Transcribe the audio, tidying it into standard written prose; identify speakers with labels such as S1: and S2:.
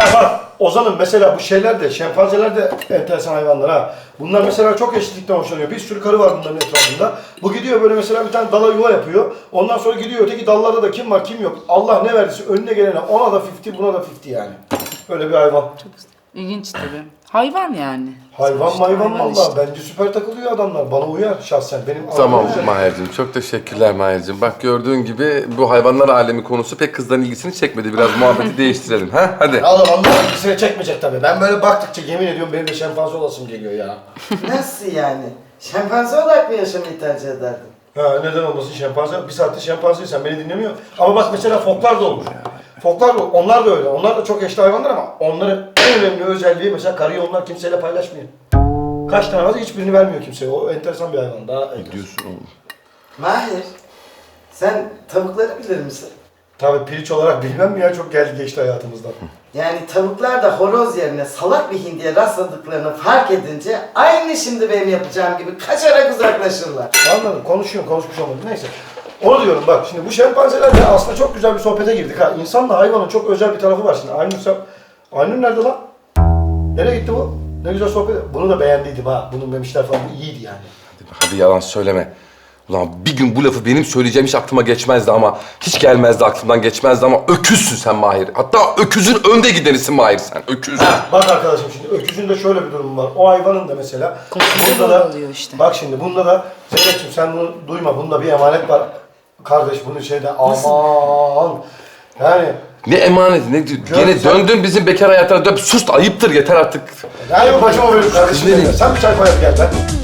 S1: Bak Ozan'ım mesela bu şeyler de, şempanzeler de enteresan hayvanlar ha. Bunlar mesela çok eşitlikten hoşlanıyor. Bir sürü karı var bunların etrafında. Bu gidiyor böyle mesela bir tane dala yuva yapıyor. Ondan sonra gidiyor öteki dallarda da kim var kim yok. Allah ne verdiyse önüne gelene ona da 50 buna da 50 yani. Böyle bir hayvan.
S2: İlginç tabii. Hayvan yani.
S1: Hayvan
S2: Sonuçta
S1: mayvan
S2: hayvan
S1: valla.
S2: işte.
S1: Bence süper takılıyor adamlar. Bana uyar şahsen. Benim
S3: Tamam
S1: güzel.
S3: Mahir'cim, çok teşekkürler Mahir'cim. Bak gördüğün gibi bu hayvanlar alemi konusu pek kızların ilgisini çekmedi. Biraz muhabbeti değiştirelim. Ha? Hadi.
S1: Oğlum onlar ilgisini çekmeyecek tabii. Ben böyle baktıkça yemin ediyorum benim de şempanze olasım geliyor ya.
S4: Nasıl yani? Şempanze olarak mı yaşamayı tercih ederdin?
S1: Ha neden olmasın şempanze? Bir saatte şempanze sen beni dinlemiyor. Ama bak mesela foklar da olur. Foklar da onlar da öyle. Onlar da çok eşli hayvanlar ama onların en önemli özelliği mesela karıyı onlar kimseyle paylaşmıyor. Kaç tane varsa hiçbirini vermiyor kimseye. O enteresan bir hayvan. Daha enteresan.
S3: Diyorsun oğlum.
S4: Mahir, sen tavukları bilir misin?
S1: Tabii piliç olarak bilmem mi ya çok geldi geçti hayatımızdan.
S4: Yani tavuklar da horoz yerine salak bir hindiye rastladıklarını fark edince aynı şimdi benim yapacağım gibi kaçarak uzaklaşırlar.
S1: Anladım. Konuşuyorum, konuşmuş olmadım. Neyse. Onu diyorum bak şimdi bu şempanzelerle aslında çok güzel bir sohbete girdik ha. İnsanla hayvanın çok özel bir tarafı var şimdi. Aynur nerede lan? Nereye gitti bu? Ne güzel sohbet. Bunu da beğendiydim ha. Bunun memişler falan bu iyiydi yani.
S3: Hadi yalan söyleme. Ulan bir gün bu lafı benim söyleyeceğim hiç aklıma geçmezdi ama... Hiç gelmezdi aklımdan geçmezdi ama öküzsün sen Mahir. Hatta öküzün önde gidenisin Mahir sen. Öküz.
S1: Bak arkadaşım şimdi öküzün de şöyle bir durum var. O hayvanın da mesela bunda da
S2: oluyor işte.
S1: bak şimdi bunda da Zeynep'ciğim sen bunu duyma. Bunda bir emanet var. Kardeş bunu şeyde aman. Yani
S3: Ne emaneti ne diyor? Gene döndün bizim bekar hayatına dön. Sus ayıptır yeter artık.
S1: yani başıma böyle kardeşim.
S3: Nereye?
S1: Sen bir çay koyar gel ben.